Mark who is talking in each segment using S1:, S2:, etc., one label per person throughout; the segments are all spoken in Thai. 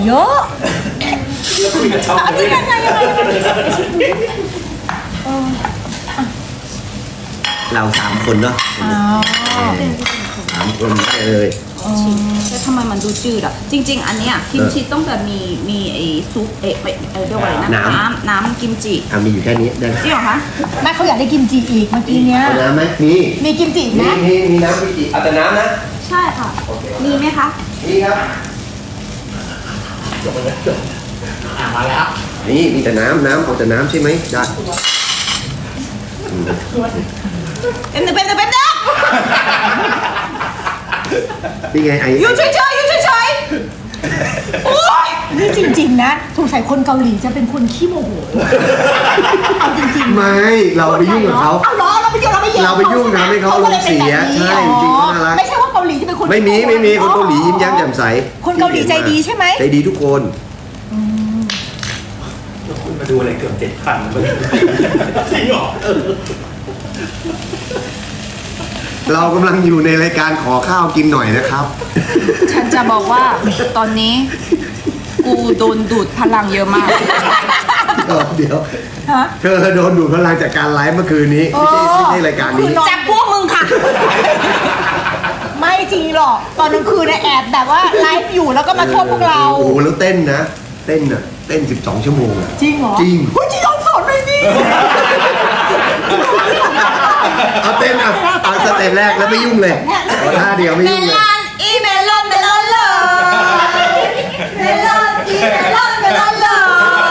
S1: เยอะอันนี้ยังไง
S2: เรา3 คนเนาะ3 คนได้เลย
S3: แล้วทำไมมันดูจืดอ่ะจริงๆอันเนี้ยกิมจิต้องแบบมีไอ้ซุปเรียกว่าอะไรนะน้ำกิมจิ
S2: มีอยู่แค่นี้ได้
S3: จริงเหรอคะ
S1: แม่เขาอยากได้กิมจิอีกเมื่อกี้เนี้ย
S2: เอาน้ำไหมมี
S1: กิมจินะ
S2: มีน้ำกิมจิเอาแต่น้ำนะ
S3: ใช่ค่ะมีไหมคะ
S2: มีครับ
S4: มาแล้ว
S2: นี่มีแต่น้ำเอาแต่น้ำใช่ไหมได้
S3: เป็น
S2: นี่ไง
S3: อยู่เฉยโอ๊ย
S1: นี่จริงๆนะสงสัยคนเกาหลีจะเป็นคนขี้โมโหเอาจริงๆ
S2: ไม่เราไปยุ่งกับเขา
S1: เอาล้อเราไปยุ่ง
S2: ทำให้เขาลงเสียใช่จริงๆน่ารัก
S1: ไม่ใช่ว่าเกาหลีจะเป็นคน
S2: ไม่มีคนเกาหลียิ้มแย้มแจ่มใส
S1: คนเกาหลีใจดีใช่ไหม
S2: ใจดีทุกคน
S4: คุณมาดูอะไรเกือบ7,000เลยจริงเหรอ
S2: เรากำลังอยู่ในรายการขอข้าวกินหน่อยนะครับ
S3: ฉันจะบอกว่าตอนนี้กูโดนดูดพลังเยอะมาก
S2: เดี๋ยวเธอโดนดูดพลังจากการไลฟ์เมื่อคืนนี้ไม่ใช่รายการนี้
S3: จากพวกมึงค่ะ
S1: ไม่จริงหรอกตอนกลางคืนนะแอบแบบว่าไลฟ์อยู่แล้วก็มาโทษพวกเรา
S2: โอ้โหแล้วเต้น12 ชั่วโมง
S1: จริงเหรอ
S2: จริง
S1: ลองสอนหน่อยดิ
S2: เอาเต้นเอาสเต็ปแรกแล้วไม่ยุ่งเลยท่าเดียวไม่ยุ่งเลย
S3: เมลอนเลยเดี๋ยวก่อนนะ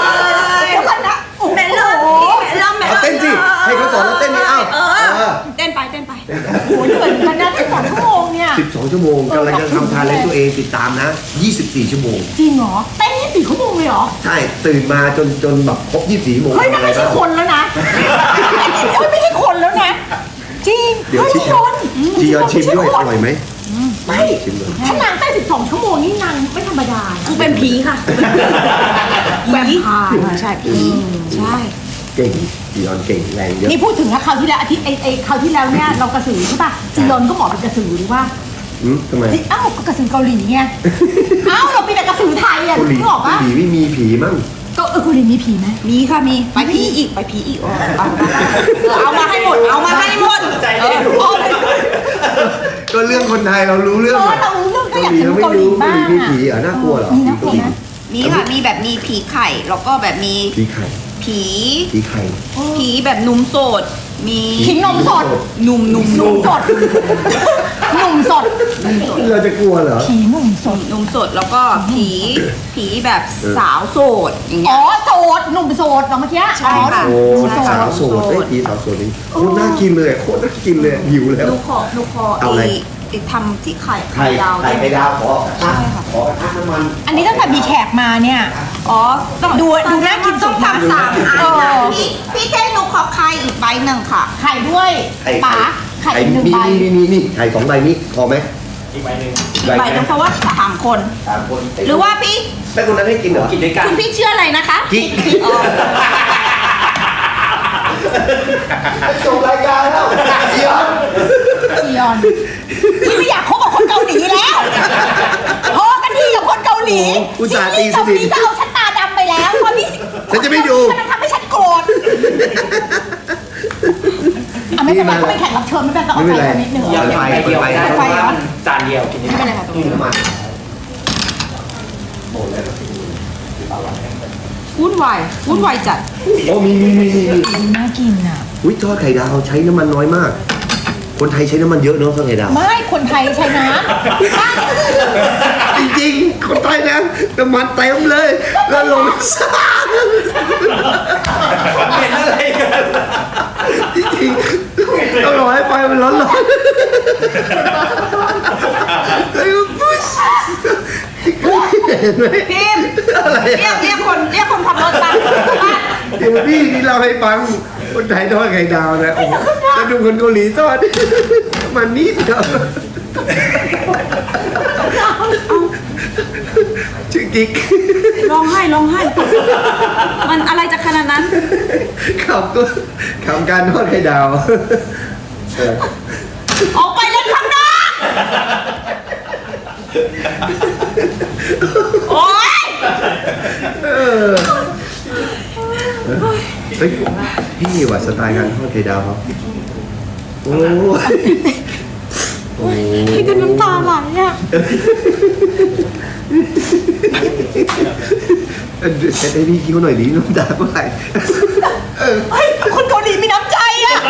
S3: เมลอน
S2: เอาเต้นสิให้เขาสอนแล้วเต้นนี่
S3: เต้นไป
S1: โอ้ยเหมือนกันนะ12 ชั่วโมงเนี่ย
S2: 12 ชั่วโมงกำลังจะทำทานเลนตัวเองติดตามนะ24 ชั่วโมง
S1: จริงเหรอเต้น24 ชั่วโมงเลยเหรอ
S2: ใช่ตื่นมาจนแบบครบ24 ชั่วโมง
S1: เฮ้ยนั่นไม่ใช่คนแล้วนะไม่ใช่คนแล้วนะจริง
S2: เดี๋ยวจียอนชิมด้วยอร่อยไหม
S1: ไม่ถ้านางเต้น12 ชั่วโมงนี่นางไม่ธรรมดา
S3: กูเป็นผีค่ะ
S1: แบบ
S3: ใช่ผีใช่
S2: เก่งจียอนเก่งแรงเยอะ
S1: นี่พูดถึงนะคราวที่แล้วคราวที่แล้วเนี่ยเรากระสือใช่ป่ะจียอนก็เหมาะเป็นกระสือหรือว่า
S2: ทำไม
S1: ก็กระสือเกาหลีไงเราเป็นแต่กระสือไทยอ่ะ
S2: นึกออกปะเกาหลีไม่มีผีมั้ง
S1: ก็เกาหลีมีผีไหม
S3: มีค่ะมีไปผีอีกเอามาให้หมด
S2: ก็เรื่องคนไทยเรารู้เรื่อง
S1: เรารู้เรื่องก็อยากเห็นเกาหลีบ้าง
S2: มีผีน่ากลัวเหรอ
S3: มีค่ะมีแบบมีผีไข่แล้วก็แบบมี
S2: ผีไข่
S3: ผีแบบนุ่มโสดมี
S1: ผีนมสด
S3: หนุ่ม
S1: สด
S2: เราจะกลัวเหรอ
S1: ผีหนุ่ม
S3: สดแล้วก็ผีแบบสาวโสดอย่างเงี้ย
S1: โสดหนุ่มโสดเมื่อกี้
S3: ใช่ค่ะ
S2: สาวโสดผีสาวโสดนี่โคตรน่ากินเลยหิวแล้ว
S3: หนูขอทำที่ไข่ดาว
S2: ขอน้ำมัน
S1: อันนี้ตั้งแต่มีแขกมาเนี่ยดูน่ากินสุด
S3: ทำ3 อันพี่เต้หนูขอไข่อีกใบหนึ่งค่ะ
S1: ไข่ด้วยป๋าไข่1 ใบ
S2: นี่ไข่2 ใบนี้พอไหม
S4: อีกใบหนึ่ง
S3: เพราะว่า3 คนหรือว่าพี่
S2: แต่คนนั้นให้กินเหรอ
S4: กินด้วยกัน
S3: คุณพี่เชื่ออะไรนะคะ
S2: กิ๊กจบรายการแล้วจี
S1: ยอนไม่อยากคบกับคนเกาหลีแล้วพอกันทีกับคนเกาหลี
S2: อุตส่าห์ตีสนิท
S1: จะเอาฉันตาดำไปแล้วเพราะพี่
S2: ฉันจะไม่ดู
S1: มันทำให้ฉันโกรธไม่เป็นไรเขาเป็นแขกรับเชิญไม่เป็นไรเอาไฟนิดนึง
S4: ไฟจานเดียวกิน
S1: ไม่เป็นไรค่ะตรงนี้
S3: วุ่นวายจัด
S2: โอ้มี
S1: น่ากินอ่ะ
S2: ทอดไข่ดาวใช้น้ำมันน้อยมากคนไทยใช้น้ำมันเยอะเนาะทอดไข่ดาว
S1: ไม่คนไทยใช้น้
S2: ำจริงๆคนไทยนะน้ำมันเต็มเลยแล้วลงซ่า
S4: เป็นอะไรกัน
S2: จริงๆต้องรอให้ไฟมันร้อนเห็นไหม
S3: พิมเรียกคนขับรถตาม
S2: เดี๋ยวพี่นี่เราให้ฟังคนไทยทอดไข่ดาวนะจะดูคนเกาหลีทอดมันนิดเดียวชื่อกิ๊ก
S3: ร้องไห้มันอะไรจะขนาดนั้น
S2: ขำการทอดไข่ดาว
S3: ออกไปเล่นข้างนอกโอ๊ย
S2: เฮ้ยพี่ว่าสไตล์การทอดไข่ดาวเขาโอ้ยโอ้ย
S1: พี่จะน้ำตาไหลอ่ะ
S2: แต่ให้พี่คิ้วหน่อยดิน้ำตาเมื่อไหร่
S1: เฮ้ยคนเกาหลีมีน้ำใจอ่ะ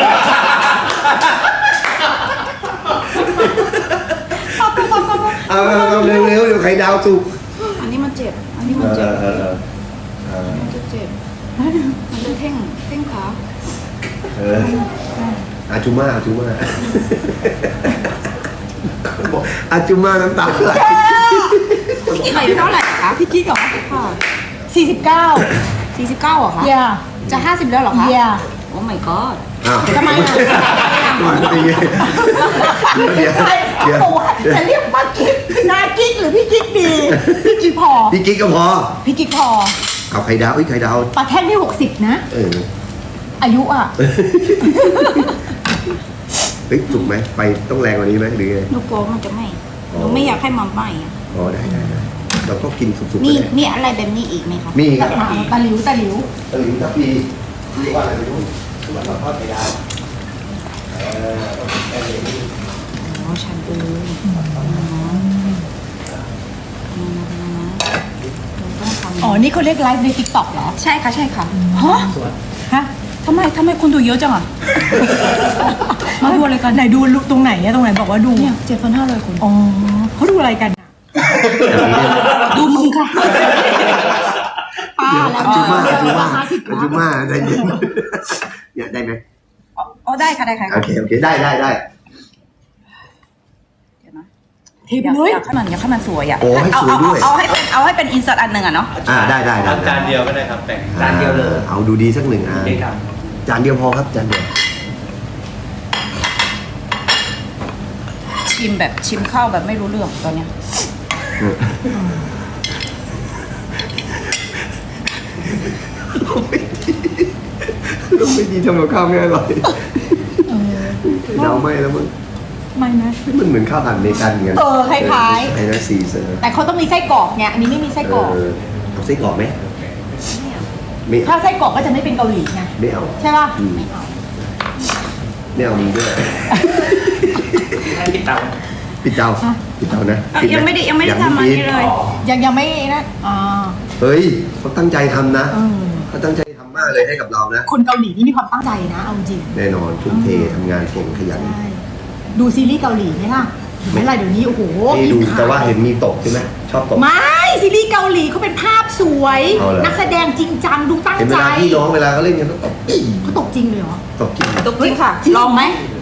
S2: เอาเร็วเดี๋ยวไข่ดาวสุก
S3: อันนี้มันเจ็บ อันนี้มันเจ็บมันจะเจ็บมันจะเท่งขา
S2: อาจูมาอาจูมาน้ำตาไหล
S3: พี่กิ๊กอายุเท่าไหร่คะ
S1: พี่กิ๊กเหรอ
S3: ค่ะ
S1: 49
S3: 49เหรอคะ
S1: อย่า
S3: จะ 50แล้วเหรอคะ
S1: อย่า
S3: โอ้ my god
S2: อ้าว
S1: ทำไมอ่ะ
S2: เป็นไงเดี๋ยว
S1: ใครเขาบอกว่าจะเรียกป้ากิ๊กนากิ๊กหรือพี่กิ๊กดีพี่กิ๊กพอ
S2: พี่กิ๊กก็พอ
S1: พี่กิ๊กพอ
S2: เอาไข่ดาวไข่ดาว
S1: ปลาแท่งที่60นะ อายุอ่ะ
S2: เฮ้ยสุกไหมไฟต้องแรงกว่านี้ไหมหรือไง
S3: หนูกลัวมันจะไหม้หนูไม่อยากให้มันไหม้อะ
S2: อ๋อได้เราก็กินสุกๆไป
S3: มี
S2: เลย
S3: มีอะไรแบบนี้อีกไหมคะ
S2: มีครับ
S1: ตะหลิว
S2: ตะหลิวทับปีที่ว่าอะไรไม่รู้ที่ว่าเราทอดไข่ดาว
S3: อ๋อชันเออต้องทำ
S1: อ๋อ นี่เขาเรียกไลฟ์ใน TikTok เหรอ
S3: ใช่ค่ะใช่ค่ะ
S1: ฮะ ฮะ
S3: ทำไมคนดูเยอะจังอ่ะ มาดูอะไรกัน
S1: ไหนดูตรงไหนอะตรงไหนบอกว่าดู
S3: เนี่ย7,500 คน
S1: อ๋อเขาดูอะไรกันอะ
S3: ดูมึงค่ะ
S1: ป้า
S2: เดี๋ยว
S1: แล้ว
S2: อาจูมา
S1: เดี๋ยว
S2: อาจูมาใจเย็นเนี่ยได้ไหม
S3: อ๋อได้ค่ะได้ค่ะ
S2: โอเคได้
S3: เดี๋ยวนะ
S1: เทไปเลย
S3: อยากให้มันสวยอ่ะ
S2: โอ้ให้สวยด้วย
S3: เอาให้เป็นอินเสิร์ตอันหนึ่งอ่ะเนาะ
S2: ได้
S4: ทำจานเดียวก็ได้ครับแต่งจานเดียวเลย
S2: เอาดูดีสักหนึ่งอ่ะ
S4: ได้ท
S2: จานเดียวพอครับจานเดียว
S3: ชิมข้าวแบบไม่รู้เรื่องตอนเนี้ย
S2: ลูกไม่ดีทำกับข้าวไม่อร่อยเดาไม่แล้วมึง
S1: ไม่นะ
S2: มันเหมือนข้าวผัดอเมริกันเหมือนกัน
S1: คล้ายๆ
S2: ไอ้นั่นซีเซอร์
S1: แต่เขาต้องมีไส้กรอกไงอันนี้ไม่มีไส้กรอก
S2: เอาไส้กรอกไหมไม่
S1: ถ้าไส้กรอกก็จะไม่เป็นเกาหลีไง
S2: ไม่เอา
S1: ใช่ป่ะ
S2: ไม่เอามึงด้วย
S4: ำให้ปิดเตา
S2: ปิดเตานะ
S3: ยังไม่ได้ทำอันนี้เลย
S1: ยังไม่นะ
S2: เฮ้ยเขาตั้งใจทำนะ
S1: เออ
S2: เขาตั้งใจทำมากเลยให้กับเรานะ
S1: คนเกาหลีนี่มีความตั้งใจนะเอาจริง
S2: แน่นอนทุ่มเททำงานเก่งขยัน
S1: ใช่ดูซีรีส์เกาหลีไหมล่ะเห็นไหมล่ะเดี๋ยวนี้โอ้โห
S2: นี่ดู
S1: มีข่
S2: แต่ว่าเห็นมีตกใช่ไหมชอบตก
S1: ไม่ซีรีส์เกาหลีเขาเป็นภาพสวย
S2: เอาเหรอ
S1: นักแสดงจริงจังดูตั้ง
S2: เห็นเว
S1: ใจ
S2: ลาพี่น้องเวลาเขาเล่นกันต้องตกอี้
S1: เขาตกจริงเลยเหรอ
S2: ตกจริง
S3: ตกจริงค่ะ ลองไหม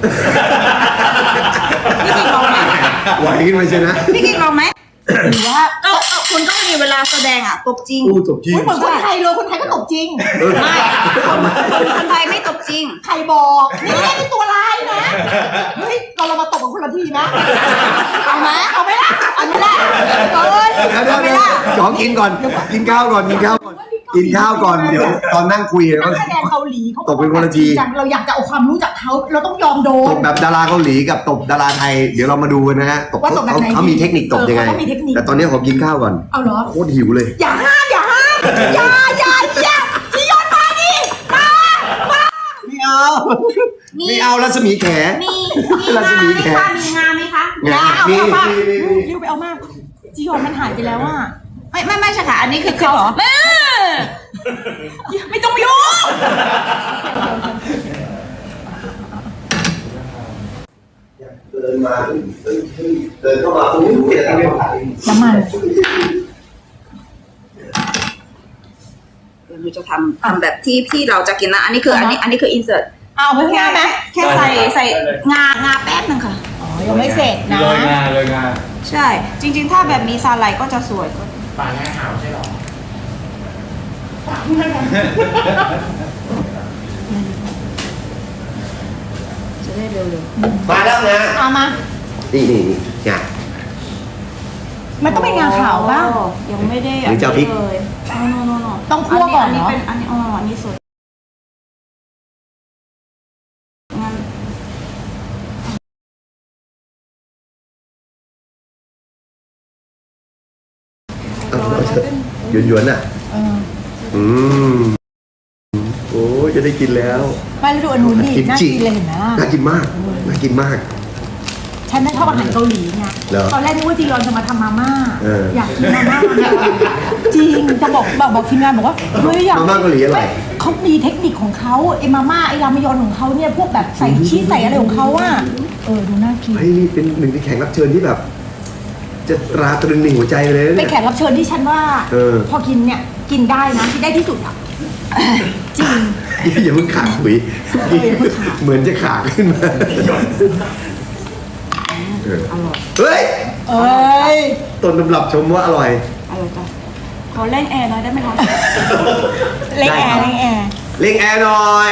S3: พี่กิ๊กลองไหม
S2: ไหวขึ้นมาใช่ไหม
S3: พี่กิ๊กลองไหม
S1: หรือว่า
S3: คุณก็มีเวลาแสดงอ่ะตบจริง
S2: อู้ตกจริง
S1: อุ๊ยเหมือนคนไทยเลยคนไทยก็ตกจริง
S3: ไม่คนไทยไม่ตบจริง
S1: ใครบอกนี่ไม่ได้เป็นตัวร้ายนะเฮ้ยเรามาตกกันคนละทีนะเอาไหมเอาไหมล่ะเอาไหมล่ะเอ้ย
S2: เดี๋ยว
S1: เอาไหมล่ะ
S2: ขอกินก่อน กินข้าวก่อน เดี๋ยวตอนนั่งคุย
S1: นักแสดงเกาหลีเขา
S2: ตกเป็นคนละที
S1: จริงจังเราอยากจะเอาความรู้จากเขาเราต้องยอมโด
S2: ต
S1: น
S2: บแบบดาราเกาหลีกับตบดาราไทย เดี๋ยวเรามาดูกันนะฮะตบ
S1: ว่าตบแบบไหน
S2: เขามีเทคนิคตบยังไง
S1: เขามีเทคนิค
S2: แต่ตอนนี้ขอกินข้าวก่อน
S1: เอาเหรอ
S2: โคตรหิวเลย
S1: อย่าห้ามอย่าพี่ยศมาดิมา
S2: ไม่เอารัศมีแข
S3: มี
S2: รัศมีแข
S3: มีงานไหมคะ
S1: อย่าเอา
S2: มี
S1: เอามา
S2: มี
S1: เร็วไปเอามาจียอนมันหายไปแล้วอ่ะ
S3: ไม่ใช่ค่ะอันนี้คือเขาเหรอไม่ต้องยุ่ง
S2: เดินมาเดินเข้ามาตรงนี้เปลี่ยนอะไร
S1: น้ำมัน
S3: เดี๋ยวหนูจะทำแบบที่เราจะกินนะอันนี้คืออันนี้คืออินเสิร์ต
S1: เอาเพิ่งหน้าไหม
S3: แค่ใส่งาแป๊บนึงค่ะ
S1: อ๋อยังไม่เสร็จนะ
S4: เลยงา
S3: ใช่ จริงๆ ถ้าแบบมีซาไลก็จะสวย
S4: ปลาแง่หาวใช่หรอ
S3: จะได้เร็ว
S2: มาแล้วนะ
S1: เอามา
S2: นี่งา
S1: มัน
S3: ๆ
S1: ต้องเป็นงาขาวบ้าง
S3: ยังไม่ได้
S2: หรือจะเอาพริก
S3: เลยโน
S1: ต้องคั่วก่อนเนอะ
S3: อันนี้สวยงั้น
S2: หยวนๆอ่ะ
S1: เออ
S2: อืมโอ้ยจะได้กินแล้ว
S1: ไม่แล้วดูอันนู้นดิ
S2: กิม
S1: น่า
S2: จิ
S1: กินเลยเห็นไหม
S2: น่ากินมากน่ากินมาก
S1: ฉันน่ะชอบอาหารเกาหลีไง
S2: เหรอ
S1: ตอนแรกนึกว่าจียอนจะมาทำมาม่า
S2: อย
S1: ากกินมาม่าเนี่ยจริงจะบอกทีมงานบอกว่าเฮ้ยอยาก
S2: มาม่าเกาหลีอร่อย
S1: เขามีเทคนิคของเขาไอ้มาม่าไอ้รามยอนของเขาเนี่ยพวกแบบใส่ชีสใส่อะไรของเขาอ่ะดูน่ากิน
S2: เฮ้ยนี่เป็นหนึ่งในแขกรับเชิญที่แบบ จะตราตรึงในหัวใจเลยนะ
S1: เป็
S2: เนี่
S1: น
S2: ย
S1: แขกรับเชิญที่ฉันว่า พอกินเนี่ยกินได้นะกินได้ที่สุดอ่ะจริง
S2: อย่าเพิ่งขาดหุยเหมือนจะขาดขึ้นมาเฮ้ย
S1: เอ้ย
S2: ต้นตำรับชมว่าอร่อย
S3: อะไรจ้ะขอเล่นแอร์หน่อยได้ไหมคะ
S1: เล่งแอร์เล่งแอร์
S2: เล่งแอร์หน่อย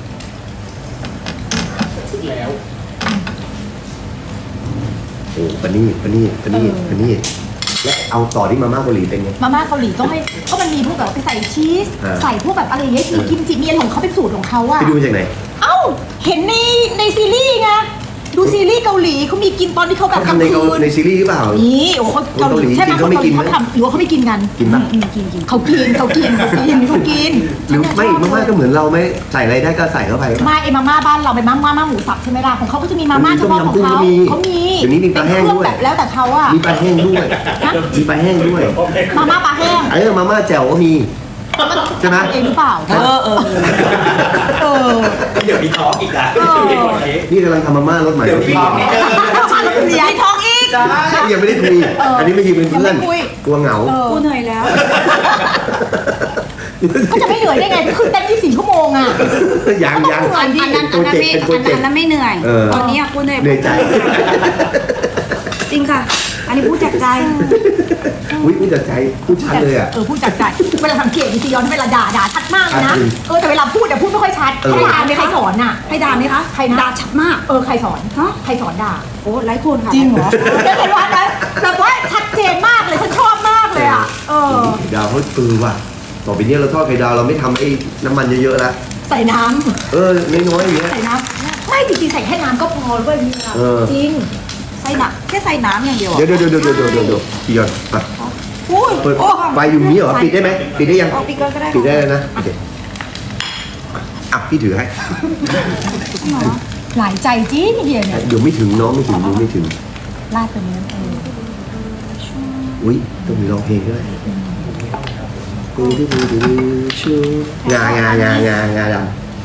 S2: โอ้ปะนี่และเอาต่อที่มาม่าเกาหลีเป็นไง
S1: มาม่าเกาหลีต้องให้ก็มันมีพวกแบบไปใส่ชีส
S2: อ่า
S1: ใส่พวกแบบอะไรอย่างเงี้ยมีกิมจิมีอะไรของเขาเป็นสูตรของเขาอะ
S2: ไปดูมาจากไหน
S1: เอ้าเห็นในซีรีส์ไงดูซีรีส์เกาหลีเขามีกินตอนที่เขาแบบ
S2: เขา
S1: กลาง
S2: ทำใน
S1: คืน
S2: ในซีรีส์หรือเปล่า
S1: นี่โอ้เขาเกาหลีใช่ไหม
S2: เขาไม่กิน
S1: เขาทำหรือว่าเขาไม่กินกัน
S2: กินปะ
S1: กินเขากินเขากิน
S2: หรือไม่มาม่าก็เหมือนเราไหมใส่อะไรได้ก็ใส่เข้าไป
S1: มาไอ้มาม่าบ้านเราเป็นมาม่าหมูสับใช่ไหมล่ะของเขาก็จะมีมาม่าเฉพาะของเขา
S2: มี
S1: เขามี
S2: เดี๋ยวนี้มีปลาแห้งด้วย
S1: เป็นเครื่องแบบแล้วแต่เขาอะ
S2: มีปลาแห้งด้วย
S1: ฮะ
S2: มีปลาแห้งด้วย
S1: มาม่าปลาแห้ง
S2: มาม่าแจ่วก็มี ใช่ไหม
S1: เองหรือเปล่าเออ
S4: เดี๋ยวมีท้องอีกนะ
S2: นี่กำลังทำมาม่ารสใหม่
S4: เดี๋ยวมีท้องอีก
S1: ใหญ่ท้องอีก
S2: ยังไม่ได้คุยอันนี้ไม่ยืมเป็นเพื่อน
S1: ยังไม่คุย
S2: กลัวเหงา
S3: กูเหนื่อยแล้ว
S1: ก็จะไม่เหนื่อยได้ไงก็คือเต็ม24 ชั่วโมงอ่ะ
S2: ยัง
S3: อันนั้นไม่เหนื่อย ตอนนี้กูเหนื่อย
S2: เหนื่อยใจ
S3: จริงค่ะ อันนี้พูดจากใจ
S2: อุ้ยพูดจากใจพูดชัดเลยอ่ะ
S1: พูดจากใจเวลาสังเกตดิซียอนเวลาด่าชัดมากเลยนะ
S2: ชัดจริง
S1: แต่เวลาพูดพูดไม่ค่อยชัด
S2: เออ
S1: ใครด่าใครสอนน่ะ
S3: ให้ด่าไหมคะ
S1: ใครนะ
S3: ด่าชัดมาก
S1: ใครสอน
S3: ฮะ
S1: ใครสอนด่า
S3: โอ้ไร้คนค่ะ
S1: จริงเหรอได้เห็นว่านะแบบว่าชัดเจนมากเลยฉันชอบมากเลยอ่ะ
S2: ดาวเขาว่ะต่อไปนี้เราทอดไข่ดาวเราไม่ทำไอ้น้ำมันเยอะๆแล้ว
S1: ใส่น้
S2: น้อยๆอย่างเงี้ย
S1: ำใส่น้ำไม่จริงๆใส่แค่น้ำก็พอด้วยพี่อะจริง
S3: ใส่น้ำแค่ใส่น้ำอย่างเดียว
S2: เดี๋ยวพี่ยอนไป
S3: อุ้ย
S2: เปิดไฟอยู่นี้เหรอปิดได้ไหมปิดได้ยัง
S3: เอาปิดก็ได้
S2: ปิดได้เลยนะโอเคอ่ะพี่ถือให้
S1: หลายใจจริงเฮียเนี่ย
S2: เดี๋ยวไม่ถึงน้องไม่ถึงดูไม่ถึง
S1: ลาดตรงนี้
S2: อุ้ยต้องมีร้องเพลงด้วยชูงาดำ
S3: ดำค่ะ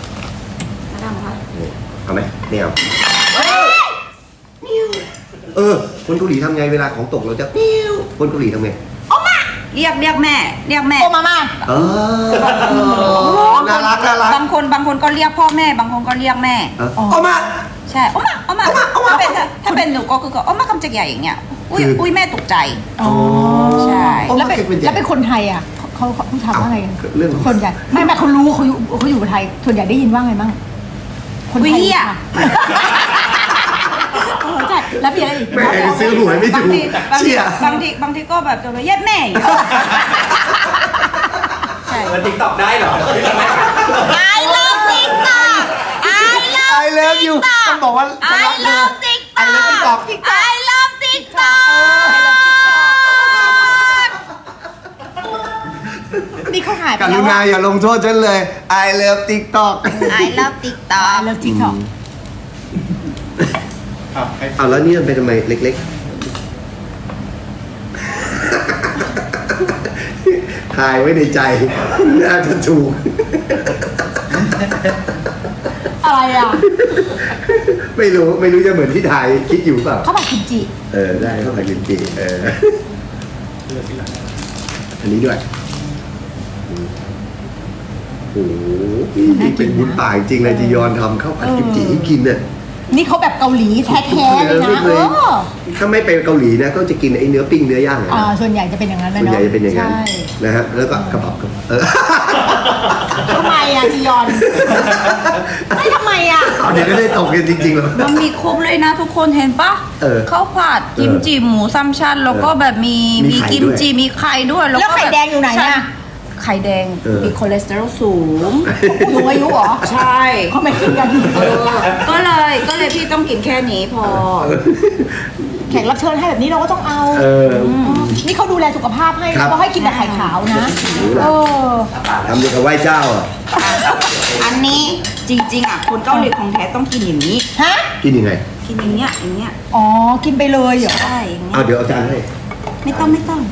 S2: เอาไหมไม่เอาคนเกาหลีทำไงเวลาของตกเราจะคนเกาหลีทำไง
S3: เรียกแม่เรียกแม่
S1: โอมาม่า
S2: น่ารัก
S3: บางคนก็เรียกพ่อแม่ บางคนก็เรียกแม่
S2: เอามา
S3: ใช่เอามาถ้าเป็นหนูก็คือเอามาคำจักใหญ่อย่างเงี้ยอุ้ยแม่ตกใจ ใช่
S1: แล้วเป็นคนไทยอ่ะเขาถามว่าไง
S2: เรื่อง
S1: ส่วนใหญ่ไม่เขารู้เขาอยู่กับไทยส่วนใหญ่ได้ยินว่าไงบ้างคนไทยใช่แล้วมีอะไรอีก
S2: แม่ซื้อหวยไม่ถูกเชี่ย
S3: บางทีก็แบบจะไปเย็ดแม่อยู่ใช่
S4: มันติ๊กตอกได้เหรอ
S3: I love TikTok
S2: I love you ต้องบอกว่า
S3: I love TikTok I love TikTok
S1: นี่เขาหายไป
S2: ก
S1: แล้
S2: รุ
S1: ว
S2: ณาอย่าลงโทษฉันเลย I love TikTok
S3: I love TikTok
S1: เลิฟทิกตอก
S2: เอาแล้วนี่มันเป็นทำไมเล็กๆ ถ่ายไว้ในใจ น่าจะถูก
S1: อะไรอ่ะ
S2: ไม่รู้จะเหมือนที่ถ่ายคิดอยู่เปล่า
S1: เขาบอกกิมจิ
S2: ได้เข้าไปกินจีอันนี้ด้วยโอ้โหนี่เป็นบุญป่าจริงเลยจียอนทำข้าวผัดกิมจิให้กินเนี่ย
S1: นี่เขาแบบเกาหลีแท้ๆเลยนะ
S2: ถ้าไม่ไปเกาหลีนะก็จะกินไอ้เนื้อปิ้งเนื้อย่างนะ
S1: ส่วนใหญ่จะเป็นอย่างนั้น
S2: ส่วนใหญ่จะเป็นอย่างนั้น
S1: ใช่
S2: นะฮะแล้วก็กระเป๋า
S1: ทำไมอ่ะจียอนไม่ทำไมอ่ะ
S2: เอาเดี๋ยวก็ได้ตกกันจริงๆหรอ
S3: มันมีครบเลยนะทุกคนเห็นปะข้าวผัดกิมจิหมูซัมชันแล้วก็แบบมีกิมจิมีไข่ด้วย
S1: แล้วไข่แดงอยู่ไหนอ่ะ
S3: ไข่แดงมีคอเลสเตอรอลสูง
S1: ผู้สูงอายุเหรอ
S3: ใช่
S1: เขาไม่กินกัน
S3: ก็เลยพี่ต้องกินแค่นี้พอ
S2: ก
S1: ขกรับเชิญให้แบบนี้เราก็ต้องเอา นี่เขาดูแลสุขภาพให้
S2: ครับ
S1: เขาให้กินแต่ไข่ขาวนะ
S2: ทำดีกับไหว้เจ้าอ่ะ
S3: อันนี้จริงๆอ่ะคนเกาหลีของแท้ต้องกินอย่างนี้
S1: ฮะ
S2: กินยังไง
S3: กินอย่างเงี้ยอย่างเงี้ย
S1: อ๋อกินไปเลยเหรอ
S3: ใช่อย่างเงี้
S2: เอา
S3: ย
S2: เดี๋ยวเอาจารย์ให้
S3: ไม่ต้อง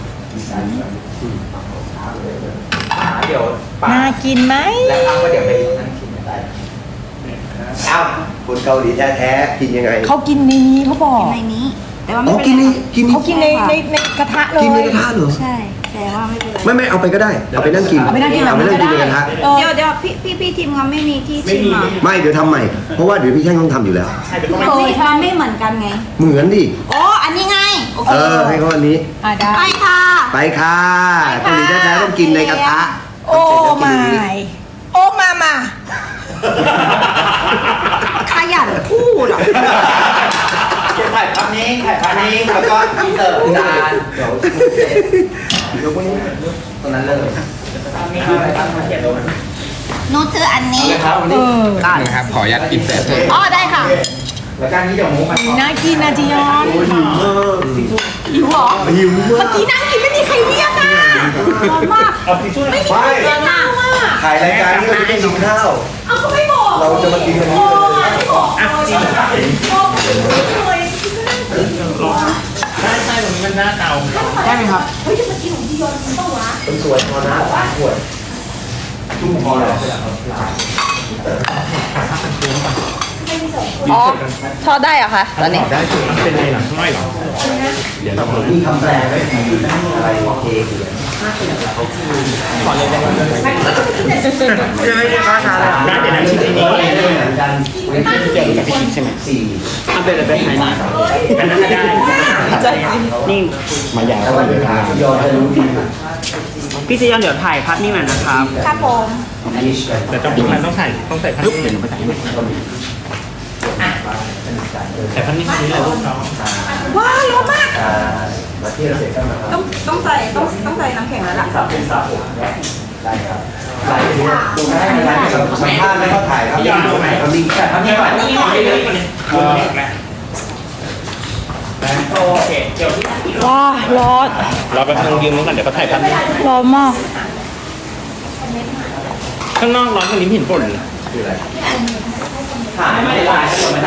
S4: เดี๋ยวป้า
S1: น่ากินไหม
S4: แล้วอ้างว่าเดี๋ยวไปนั่งกินได้
S2: เอ้าคนเกาหลีแท้ๆกินยังไง
S1: เขากินในนี้เขาบอก
S3: กินในนี้ แต่ว่า
S2: อ๋
S3: ไม่
S2: อ
S3: เป็น
S2: กิน
S3: ไร
S2: นี่กินนี่
S1: เขากินในกระทะเลย
S2: กินในกระทะเหรอ
S3: ใช่แต่ว่าไม่เป็นไร
S2: ไม่เอาไปก็ได้เอาไปนั่งกิน
S1: เอาไปนั่งกินแบบ
S2: เอาไปนั่งกินในกระทะ
S3: เดี๋ยวพี่ทีมงานไม่มีที่ชิมอ่ะ
S2: ไม่เดี๋ยวทำใหม่เพราะว่าเดี๋ยวพี่แช่งต้องทำอยู่แล้ว
S3: มันไม่เหมือนกันไง
S2: เหมือนดิ
S3: อ๋ออันนี้ไงโอเค
S2: ให้เขาอันนี้
S1: ได้
S3: ไปค่ะ
S2: ไปค่ะเกาหลีแท้ๆต้องกินในกระทะ
S1: โอ้ไม่โอ้มา
S3: ขยันพูดอ่ะ
S4: เก็บถ่ายภาพนี้แล้วก็อินเสิร์ตจานเดี๋ยวพวกนี้ตรงนั้นเลยมีอะไรบ้างมาเก็บดู
S3: หนูซื้ออันนี้
S4: นะครับวัน
S1: เอ
S4: นี้
S1: อ
S5: นะครับขออนุญาตกินเสร็จ
S1: อ๋อได้ค่ะ
S4: แล้วการนี้เดี๋ยวมุกมา
S1: น่ากินนะจียอน หิวเหรอ
S2: หิว
S1: เมื่อกี้นั่งกินไม่มีใครเรียกอ่ะร้อนมาก
S4: เอาทิชชู่
S1: ไม่มีใครเรียกอ่ะ
S2: ถ่ายรายการนี้เราจะได้กินข้าว
S1: เอาก็ไม่บอก
S2: เราจะมากินกันนี้
S1: โอ้
S2: เลย
S1: ไม่บอกเลยบอกเลย
S4: ได้ไหมครับ
S1: เฮ้ยจะมากินของจียอนมันต้องวะ
S2: คนสวยพอนะขวด
S4: จุ่มพอแล้ว
S3: อ๋อทอดได้เหรอคะตอนนี้
S4: ได้สิมันเป็นไงหลังข้างในหรอ
S2: มีคำแปลไว้อะไรโอเค
S4: ขอเลยได้ไหม
S2: ยังไม่ได้ค้าชาเลย
S4: ได้เดี๋ยวนะชิ้นนี้
S2: เหมือนกัน
S4: เดี๋ยวกับพี่คิดใช่ไหม
S2: สี่
S4: อันเป็นอะไรเป็นไหนอันนั้นได้นี่มายาวก็เลยครับ
S2: ยอดจะรู้ดี
S6: พี่ซียอนเดี๋ยวถ่ายภาพนิ่งหน่อยนะครับ
S3: ครับผม
S4: แต่ต้องใส่ภาพเดี๋ยวหนูไปใส่ให้แต่ภาพนี้เลยลูกน้อง
S3: ว้าวร้อนมาก
S2: มาเที่ยวเสร็จก็มา
S3: ต้องใส่น้ำแข็งแล้วล่ะ
S2: ได้ครับใส่ตรงนั้นสัมภาษณ์แล้วก็ถ่ายครับเอาลิงก์
S4: แต่ภาพนี้ก่อนนี่ก่อนเลยโอเคเดี๋ยว
S3: ว้าร้อน
S4: เราไปทางยืมนู้นก่อนเดี๋ยวเขาถ่ายภาพนี้
S3: ร้อนมาก
S4: ข้างนอกร้อนตรงนี้เห็นฝนถ่ายไม่ได้ลายก็ไม่ได้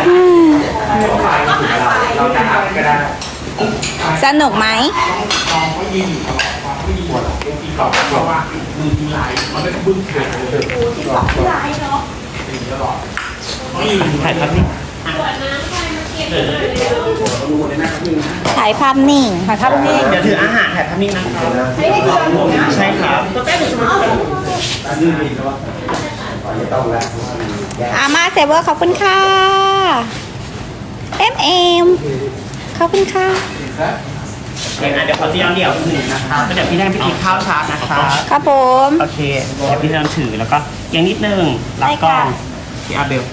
S4: เราจะทำก็ได้
S3: สนุกไหม
S4: ถ่ายภาพนี้
S3: ถ่ายภาพนิ่ง
S1: ถ่ายภาพนี่
S6: เดี๋ยวถืออาหารถ่ายภาพนิ่งนะครับ
S1: ไม่ได้จียอนอยู่นะ
S6: ใช่ครับ
S2: ต้องแล้ว
S3: อามาเซเวอร์ขอบคุณค่ะเอ็มขอบคุณค่ะ
S6: เดี๋ยวขอซียอนเดี่ยวหนึ่งนะครับแล้วเดี๋ยวพี่แดงไปกินข้าวชาร์จนะครับ
S3: ครับผม
S6: โอเคเดี๋ยวพี่ซียอนถือแล้วก็เอียงนิดนึงรับกล้องพี่อาเบล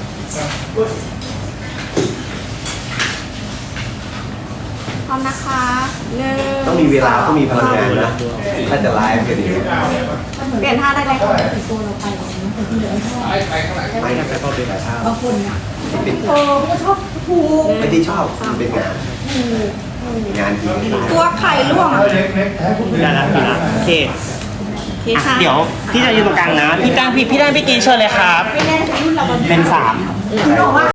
S3: พร้อมนะคะหนึ่ง
S2: ต้องมีเวลาต้องมีพลังงานนะถ้าจะไลฟ์กันดี
S3: เปลี่ยนท่าได้เลยค่ะ
S2: ไม่ครับแต่ก็เป็นแบบบางคนอ่ะ
S1: ก็ชอบผูก
S2: ไม่ได้ชอบมันเป็นงานงานจริง
S3: ตัวไข่ร่วง
S6: ได้แล้วพี่นะโอเค
S3: โอเคค่ะ
S6: เดี๋ยวพี่จะยืนตรงกลางนะพี่แดงพี่กีเชิญเลยครับ
S1: ไม่แน่ใจรุ่นเรา
S6: เป็น3
S1: คุณบอกว่า